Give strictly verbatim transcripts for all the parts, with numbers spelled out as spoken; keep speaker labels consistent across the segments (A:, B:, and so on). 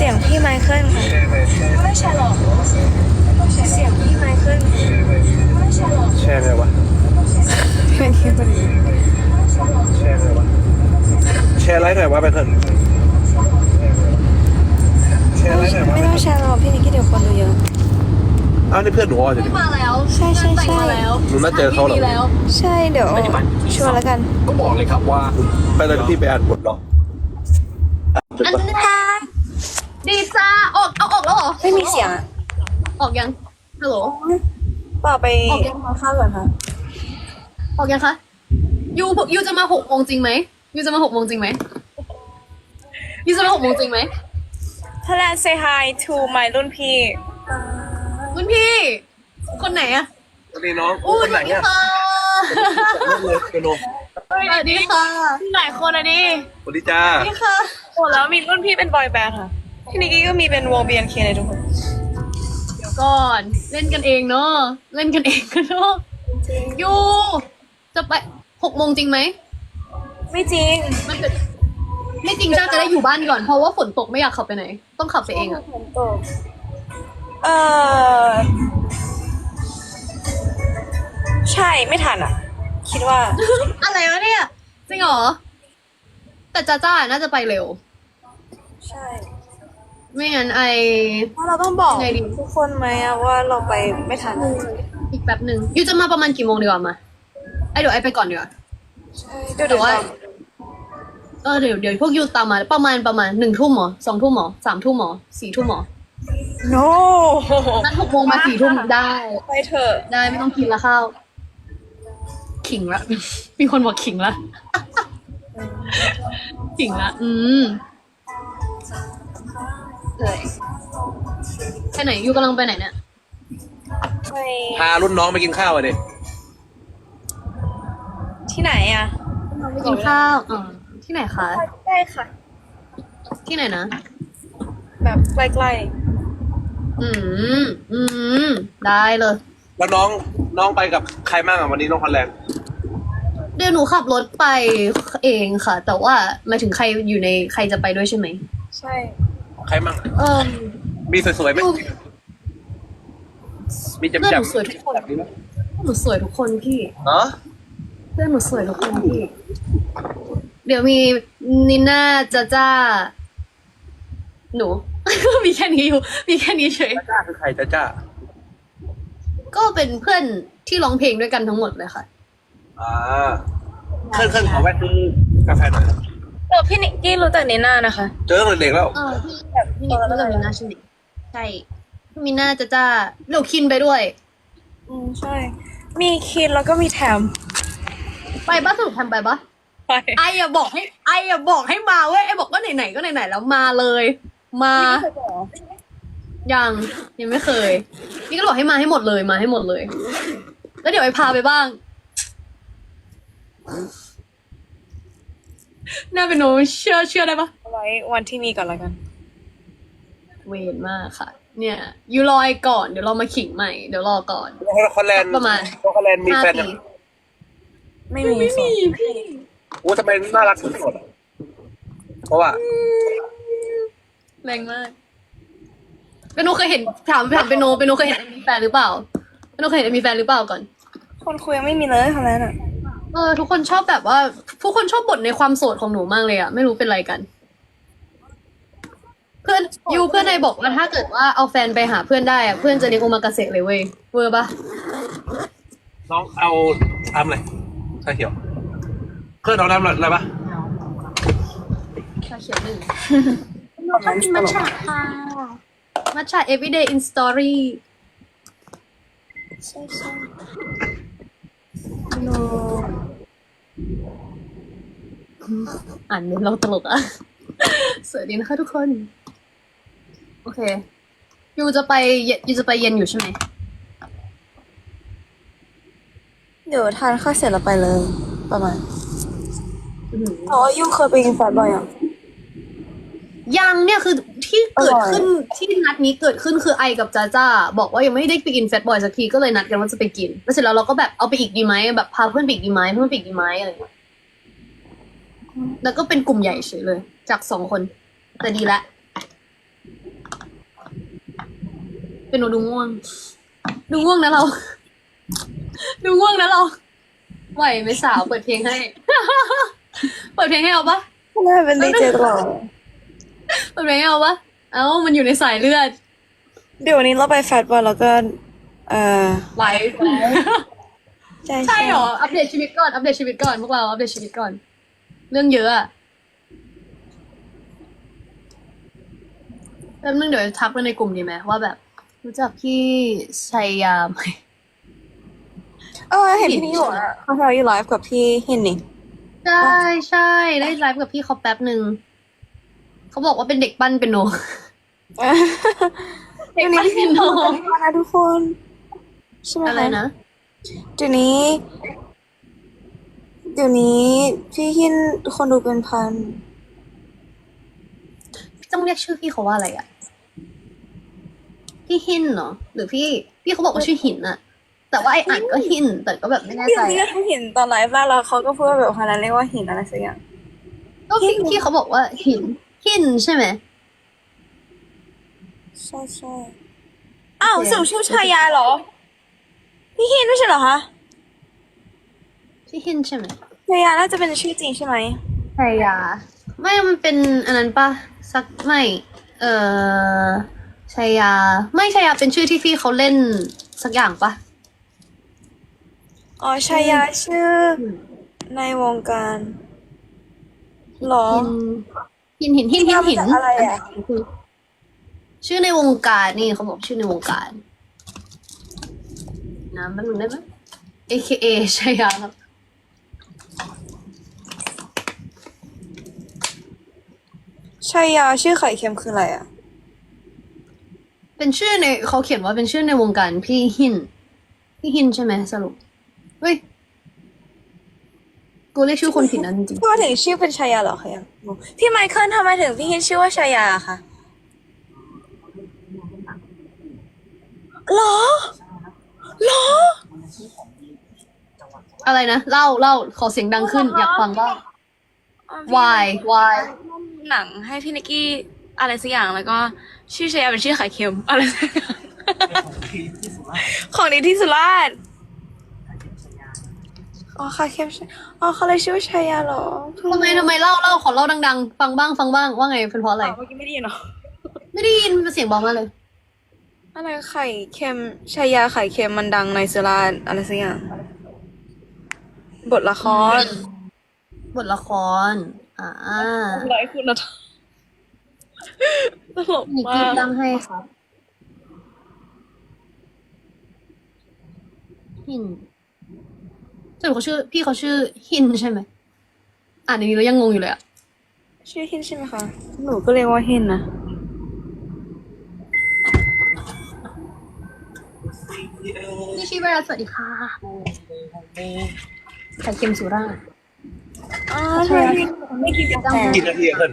A: สียงพี่ไมเคิลค่ะเสียงพี่ไมเคิล
B: แชร์ไงวะ
A: เพื่อนคิดว่าดี
B: แชร์ไงวะแชร์ไลฟ์หน่อยวะไปเถอะแชร์ไลฟ์หน่อยวะ
A: ไม่ต้องแชร์หรอกพี่นิกกี้เดี๋ยวคนดูเยอะ
B: อ้าวนี่เพื่อนหนูอ่ะสิ
C: มาแล้ว
A: ใช่ใช่ใช่
B: หนูน่าเจอเขาเหรอ
A: ใช่เดี๋ยวชวนแล้วกัน
D: ก็บอกเลยครับว่า
B: ไปเลยพี่ไปอ่านบทหรอ
C: อันนี้ค่ะดีจ้าออกเอาออกแล้วเหรอ
A: ไม่มีเสียงอะ
C: ออกยังฮัลโหล
A: เปล่าไป
C: ออกยัง
A: ทานข้าวก่อนค่ะ
C: ออกยังคะยูยูจะมาหกโมงจริงไหมยูจะมาหกโมงจริงไหมยูจะมาหกโมงจริงไหม
A: Thailand say hi to my รุ่นพี่
C: รุ่นพี่ คนไหนอะ
B: สวัสดีน้อง
C: อู้
B: คนไหน
C: สวัสดี
B: เนี่ย
C: ค่ะ
B: เลยเปโน
C: สวัสดีค่ะ
A: หลายคนอะดิ
B: สวัสดีจ้า
C: สวัสดีค่ะ
A: โอ้แล้วมีรุ่นพี่เป็นบอยแบนด์ค่ะพี่นิกกี้ก็มีเป็นวง บี เอ็น เค เลยทุกคน
C: เดี๋ยวก่อนเล่นกันเองเนาะเล่นกันเองกันเนาะยูจะไปหกโมงจริงไหม
A: ไม่จริง
C: มันเกิดไม่จริงจ้าจะได้อยู่บ้านก่อนเพราะว่าฝนตกไม่อยากขับไปไหน ต้องขับไปเองอะ
A: เออใช่ไม่ทันอ่ะ คิดว่า
C: อะไรวะเนี่ยจริงเหรอแต่จ้าจ้าน่าจะไปเร็ว
A: ใช่
C: ไม่งั้นไอ
A: เพราะเราต้องบอก
C: ไงดี
A: ทุกคนไหมอะว่าเราไปไม่ทัน
C: อีกแป๊บหนึ่งยูจะมาประมาณกี่โมงดีกว่ามาไอเดี๋ยวไอไปก่อนดีกว่า
A: ใช่เดี๋ยว
C: แต่
A: เดี๋ยว
C: ว่า เออเดี๋ยวเดี๋ยวพวกยูตามมาประมาณประมาณหนึ่งทุ่มหรอสองทุ่มหรอสามทุ่มหรอสี่ทุ่มหรอ
A: โน
C: นัดหกโมงมาสี่ทุ่มได้
A: ไปเถอะ
C: ได้ไม่ต้องกินละข้าวขิงละ มีคนบอกขิงละ ขิงละอืมเลยไปไหนยูกำลังไปไหนเนี่ย
A: ไป
B: พารุ่นน้องไปกินข้าวอ่ะดิ
A: ที่ไหนอะ
C: ไปกินข้าวอ๋อที่ไหนคะ
A: ได้ค่ะ
C: ที่ไหนนะ
A: แบบใกล้
C: อืม อืม ได้เลย
B: แล้วน้องน้องไปกับใครบ้างอ่ะวันนี้น้องคอนแลนด์
C: เดี๋ยวหนูขับรถไปเองค่ะ แต่ว่าหมายถึงใครอยู่ในใครจะไปด้วยใช่ไหม
A: ๆ ใช่
B: ใครบ้าง
C: เออ
B: มีสวยๆไหม
C: ดู
B: มีจำ
C: เพื่อน
B: จั
C: ห
B: บ
C: นูสวยทุกคน
B: แบบนี้ไหม
C: หนูสวยทุกคนพี่
B: เนาะ
C: เพื่อนหนูสวยทุกคนพี่ เดี๋ยวมีนิน่าจ้าจ้า หนู มีแค่นี้อยู่ มีแค่นี้เฉย
B: จ้าคือใครจ้าจ้า
C: ก็เป็นเพื่อนที่ร้องเพลงด้วยกันทั้งหมดเลยค่ะ
B: อ่าเคลื่อนเคลื่อนขอแวะซื้อกาแฟหน่อย
A: เออพี่นิกกี้รู้จักนีน่านะคะ
B: เจอตั้งแต่เด็กแล้ว
C: เออพี่แบบพี่นิดรู้จักมิน่าใช่ไหมใช่พี่มิน่าจ้าจ้าเดี๋ยวคินไปด้วย
A: อืมใช่ มีคินแล้วก็มีแถม
C: ไปบ้าสรุปทำไปปะ
A: ไป
C: ไออย่าบอกให้ไออย่าบอกให้มาเว้ยไอบอกว่าไหนๆก็ไหนๆแล้วมาเลย มายังยังไม่เคย นี่ก็บอกให้มาให้หมดเลยมาให้หมดเลย แล้วเดี๋ยวไอพาไปบ้างน่าเป็นโนเชื่อเชื่อได้ปะ
A: เอาไว้วันที่มีก่อนแล้วกัน
C: เวนมากค่ะ เนี่ยยูรอไอก่อนเดี๋ยวเรามาขิงใหม่เดี๋ยวรอก่อน
B: น้องคอนแลนด์
C: ประมาณ
B: น้องคอนแลนด์มี
C: ห้า
B: แฟน
C: ปี
B: ยัง
A: ไม่มี
C: ไม่มีพี่
B: โอ้ทำไมน่ารักสุดๆอะเพราะว่า
C: แรงมากเปนโนเคยเห็นถามถามเปนโนเปนโนเคยเห็นมีแฟนหรือเปล่าเปนโนเคยเห็นมีแฟนหรือเปล่าก่อน
A: คนคุยยังไม่มีเลยคนนั้นอ่ะ
C: เออทุกคนชอบแบบว่าทุกคนชอบบ่นในความโสดของหนูมากเลยอะไม่รู้เป็นไรกัน เพื่อนยูเพื่อนนายบอกว่าถ้าเกิดว่าเอาแฟนไปหาเพื่อนได้อะเพื่อนจะเลี้ยงโอมากาเสะเลยเว้ยเวอร์ปะ
B: น้องเอาทำอะไรชาเขียวเพื่อนน้องทำอะไรปะ
C: ชาเขียวหนึ่งเราชอบกินมัทฉะค่ะมัทฉะ everyday in story
A: ใช่ใช่
C: โนอ่านเมนเราตลกอะ สวัสดีนะคะทุกคน โอเคยูจะไปเย็นยูจะไปเย็นอยู่ใช่ไหม
A: เดี๋ยวทานข้าวเสร็จแล้วไปเลย ประมาณ
C: อื้อหือ
A: อ๋อยุ่งเคยไปกินแฟนบ่อยอ่ะ
C: ยังเนี่ยคือที่เกิด
A: อร่อย
C: ขึ้นที่นัดนี้เกิดขึ้นคือไอกับจ้าจ้าบอกว่ายังไม่ได้ไปกินแฟตบอยสักทีก็เลยนัดกันว่าจะไปกินแล้วเสร็จแล้วเราก็แบบเอาไปอีกดีไหมแบบพาเพื่อนไปอีกดีไหมเพื่อนไปอีกดีไหมอะไรอย่างเงี้ยแล้วก็เป็นกลุ่มใหญ่เฉยเลย จากสองคนแต่ดีละเป็นโนดูง่วง ดูง่วงนะเรา ดูง่วงนะเรา ไหวไหมสาวเปิดเพลงให้ เปิดเพลงให้เอาปะ
A: แม่เป็นดีเจตลอด
C: เปิดเพลงให้เอาปะเอ้ามันอยู่ในสายเลือด
A: เดี๋ยววันนี้เราไปแฟตบอลแล้วก็ เอ่อ
C: ไหว
A: ใช่
C: ใช่เหรอ อัปเดตชีวิตก่อน อัปเดตชีวิตก่อนพวกเรา อัปเดตชีวิตก่อน เรื่องเยอะอะแป๊บนึงเดี๋ยวทักไปในกลุ่มดีไหมว่าแบบ รู้จักพี่ชัยยาไหม
A: เออเห็นพี่นี่บอกว่าเขาทำอยู่ไลฟ์กับพี่หินนี่
C: ใช่ใช่ได้ไลฟ์กับพี่เขาแป๊บหนึ่ง เขาบอกว่าเป็นเด็กปั้นเป็นโน เด็กปั้นเป็นโน
A: นะทุกคนใช่ไหม
C: อะไรนะ
A: เดี๋ยวนี้ เดี๋ยวนี้พี่หินคนดูเป็นพัน
C: ต้องเรียกชื่อพี่เขาว่าอะไรอะพี่หินเหรอ หรือพี่ พี่เขาบอกว่าชื่อหินอะแต่ว่าไออ่านก็หิน แต่ก็แบบไม่แน่
A: พี่
C: ใจ
A: เรียก
C: อะ
A: เขาหินตอนไลฟ์แล้วเขาก็พูดว่าแบบคนนั้นเรียกว่าหินอะไรสักอย่าง
C: ก็พี่พี่เขาบอกว่าหิน หินใช่ไหม
A: ใช่ใช่อ้าวสรุปชื่อชายาเหรอ พี่หินไม่ใช่เหรอคะ
C: พี่หินใช่ไหม
A: ชายาน่าจะเป็นชื่อจริงใช่ไหม
C: ชายา ไม่ มันเป็นอันนั้นปะสักไม่ เออชายา ไม่ชายาเป็นชื่อที่พี่เขาเล่นสักอย่างปะ
A: อ๋อชายาชื่อในวงการเหรอ
C: หินหินหินหินหินหิน
A: มาจากอะไรอะ
C: ชื่อในวงการนี่เขาบอกชื่อในวงการนะแป๊บนึงได้ไหม เอ เค เอ ชายาครับ
A: ชายาชื่อไข่เค็มคืออะไรอ่ะ
C: เป็นชื่อในเขาเขียนว่าเป็นชื่อในวงการพี่หิน พี่หินใช่ไหมสรุป เฮ้ย กูเรียกชื่อคนผิดนะจริง
A: พี่ว่าถึงชื่อเป็นชายาเหรอคะยังงงพี่ไมเคิลทำไมถึงพี่หินชื่อว่าชายาคะหรอหรอ
C: ๆอะไรนะ เล่าเล่าขอเสียงดังขึ้น อยากฟังบ้าง why why
A: หนังให้พี่นิกกี้อะไรสักอย่างแล้วก็ชื่อชายาเป็นชื่อไข่เค็มอะไรสักอย่าง ของดีที่สุราษฎร์อ๋อไข่เค็มใช่อ๋อเขาเลยชื่อว่าชายาเหรอ
C: ทำไมทำไมเล่าเล่าขอเล่าดังๆ ฟังบ้างฟังบ้างว่าไงเป็นเพราะอะไร
A: อ๋อเมื่อกี้ไม่ได้ยินเหรอ
C: ไม่ได้ยินมันเสียงเบามากเลย
A: อะไรไข่เค็มชายาไข่เค็มมันดังในสุราษฎร์อะไรสักอย่างบทละคร
C: บทละคร อ่า
A: ไรคุณนะตลก
C: นิก
A: มา
C: กี้
A: ก
C: ตั้งให้ครับ หินสรุปเขาชื่อ พี่เขาชื่อหินใช่ไหม อ่านอย่างนี้แล้วยังงงอยู่เลยอะ
A: ชื่อหินใช่ไหมคะหนูก็เรียกว่าหินนะ
C: นี่ชีวราสวัสดีค่ะไข่เค็มสุราษฎร์
A: อ๋อใช่ไม่กินกาแฟ
B: กี่นาทีอะเพื่อน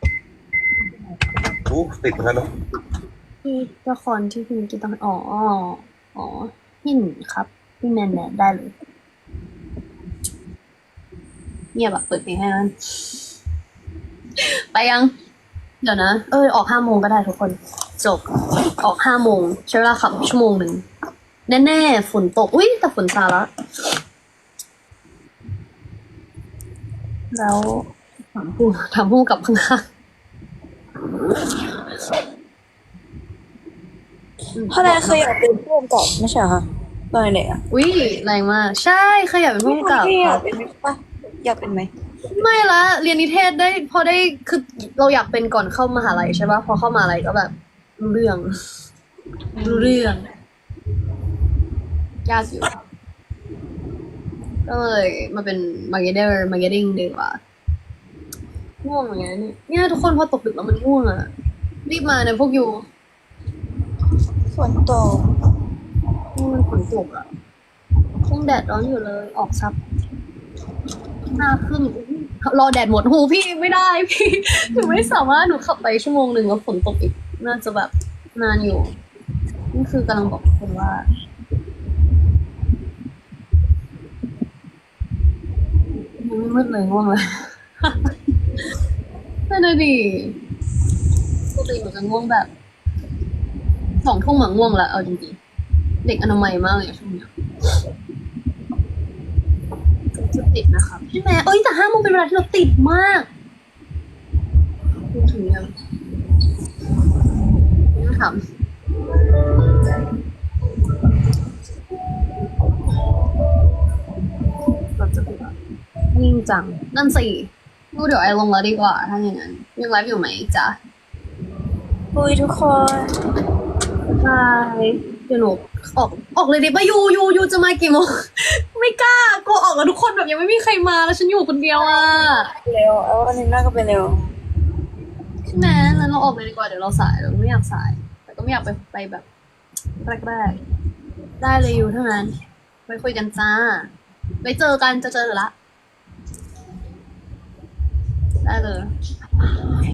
B: อู้ติดเหมือนกันเนาะ
C: พี่ละครที่พี่นิกกี้ตั้งอ๋อ อ๋อ หินครับ พี่แมนแมนได้เลยเงียบแบบเปิดเพลงให้มันไปยัง เดี๋ยวนะ เออออกห้าโมงก็ได้ทุกคน จบ ออกห้าโมงใช้เวลาขับชั่วโมงหนึ่ง แน่ๆ ฝนตก อุ้ยแต่ฝนซาแล้ว แล้วถามผู้ถามผู้กลับข้าง
A: เพราะนั้นเคยอยากเป็นผู้กำกับไม่ใช่เหรอคะตอนเด็กอะ
C: ๆอุ้ยแรงมาก ใช่เคยอยากเป็นผู้กำกับ
A: พี่อ
C: ค
A: ยา
C: รั
A: ก
C: บ
A: เป็นไหมปะอยากเป็นไหม
C: ไม่ละเรียนนิเทศได้พอได้คือเราอยากเป็นก่อนเข้ามหาลัยใช่ปะพอเข้ามหาลัยก็แบบรู้เรื่องรู้เรื่อง ยากอยู่ ก็เลยมาเป็นมาร์เก็ตเตอร์มาร์เก็ตติ้งดีกว่าง่วงเหมือนกันเนี่ยเนี่ยทุกคนพอตกดึกแล้วมันง่วงอ่ะ รีบมานะพวกอยู่
A: ฝนตก
C: นี่มันฝนตกอ่ะคงแดดร้อนอยู่เลย ออกซับหน้าขึ้นอุ๊ยรอแดดหมดหูพี่ไม่ได้พี่หนูไม่สามารถหนูขับไปชั่วโมงหนึ่งแล้วฝนตกอีก น่าจะแบบนานอยู่ นี่คือกำลังบอกทุกคนว่า ยังไม่มืดเลยง่วงเลย นั่นน่ะดิปกติหนูจะง่วงแบบสองทุ่มหมาง่วงละเอาจริงๆเด็กอนามัยมากเลยอะช่วงเนี้ยจะติดนะครับใช่ไหมเอ้ยแต่ห้าโมงเป็นเวลาที่เราติดมากพูดถึงยังยังถามเราจะติดอะนิ่งจังนั่นสิดูเดี๋ยวไอลงแล้วดีกว่าถ้าอย่างนั้นยังไลฟ์อยู่ไหมจ๊ะ
A: ปุยทุกคน
C: ใช่เดี๋ยวหนูออกออกเลยดิปะยูยูยูจะมากี่โมง ไม่กล้ากลัวออกกับทุกคนแบบยังไม่มีใครมาแล้วฉันอยู่คนเดียวอ่ะ
A: เร็วเอาอันนี้น่าก็ไปเร็ว
C: ใช่ไหมแล้วเราออกเลยดีกว่าเดี๋ยวเราสายเราไม่อยากสาย แต่ก็ไม่อยากไปไปแบบแรกๆได้เลยยูเท่านั้นไปคุยกันจ้าไปเจอกันจะเจอละได้เลย